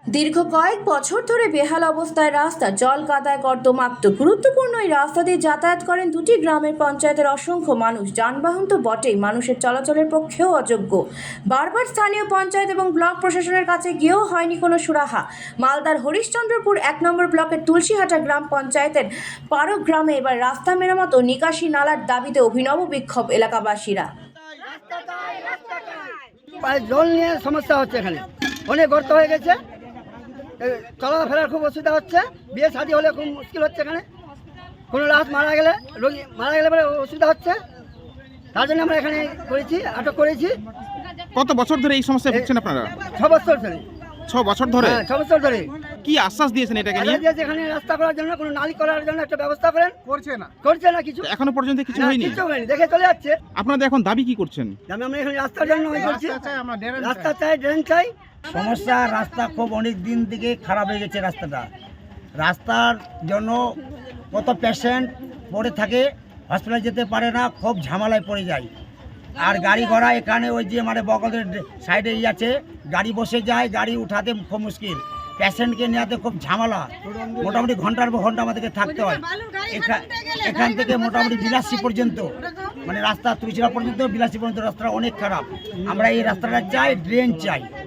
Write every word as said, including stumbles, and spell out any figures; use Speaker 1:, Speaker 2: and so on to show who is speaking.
Speaker 1: দীর্ঘ কয়েক বছর ধরে বেহাল অবস্থায় রাস্তা, জল কাদায় কর্দমাক্ত। গুরুত্বপূর্ণ এই রাস্তা দিয়ে যাতায়াত করেন দুটি গ্রামের পঞ্চায়েতের অসংখ্য মানুষ। যানবাহন তো বটেই, মানুষের চলাচলের পক্ষেও অযোগ্য। বারবার স্থানীয় পঞ্চায়েত এবং ব্লক প্রশাসনের কাছে গিয়েও হয়নি কোনো সুরাহা। মালদার হরিশ্চন্দ্রপুর এক নম্বর ব্লকের তুলসীহাটা গ্রাম পঞ্চায়েতের পারো গ্রামে এবার রাস্তা মেরামত ও নিকাশি নালার দাবিতে অভিনব বিক্ষোভ এলাকাবাসীরা।
Speaker 2: জল নিয়ে সমস্যা হচ্ছে, এখানে অনেক গর্ত হয়ে গেছে, চলাফেরার খুব অসুবিধা হচ্ছে, বিয়ে শাদী হলে খুব মুশকিল হচ্ছে। এখানে কোনো লাশ মারা গেলে, রোগী মারা গেলে পরে অসুবিধা হচ্ছে, তার জন্য আমরা এখানে করেছি, আটক করেছি।
Speaker 3: কত বছর ধরে এই সমস্যায় ভুগছেন আপনারা?
Speaker 2: ছ বছর ধরে।
Speaker 3: ছ বছর ধরে?
Speaker 2: হ্যাঁ, ছ বছর ধরে।
Speaker 3: কি আশ্বাস দিয়েছেন এটাকে নিয়ে?
Speaker 2: এখানে রাস্তা করার জন্য, কোনো নালী করার জন্য একটা ব্যবস্থা করেন, করছে না করছে না কিছু,
Speaker 3: এখনো পর্যন্ত কিছু হয়নি।
Speaker 2: কিছু হয়নি, দেখে চলে যাচ্ছে।
Speaker 3: আপনাদের এখন দাবি কি করছেন?
Speaker 2: আমি আমরা এখানে রাস্তার জন্য করছি, রাস্তা চাই, ড্রেন চাই।
Speaker 4: সমস্যা, রাস্তা খুব অনেক দিন থেকে খারাপ হয়ে গেছে রাস্তাটা। রাস্তার জন্য কত পেশেন্ট পড়ে থাকে, হসপিটালে যেতে পারে না, খুব ঝামেলায় পড়ে যায়। আর গাড়ি ঘোড়া এখানে ওই যে মানে বগলের সাইডে ই আছে, গাড়ি বসে যায়, গাড়ি উঠাতে খুব মুশকিল, পেশেন্টকে নেওয়াতে খুব ঝামেলা। মোটামুটি ঘন্টার পর ঘন্টা আমাদেরকে থাকতে হয়। এখান থেকে মোটামুটি বিলাসী পর্যন্ত, মানে রাস্তা তুলসীরা পর্যন্ত, বিলাসী পর্যন্ত রাস্তাটা অনেক খারাপ। আমরা এই রাস্তাটা চাই, ড্রেন চাই।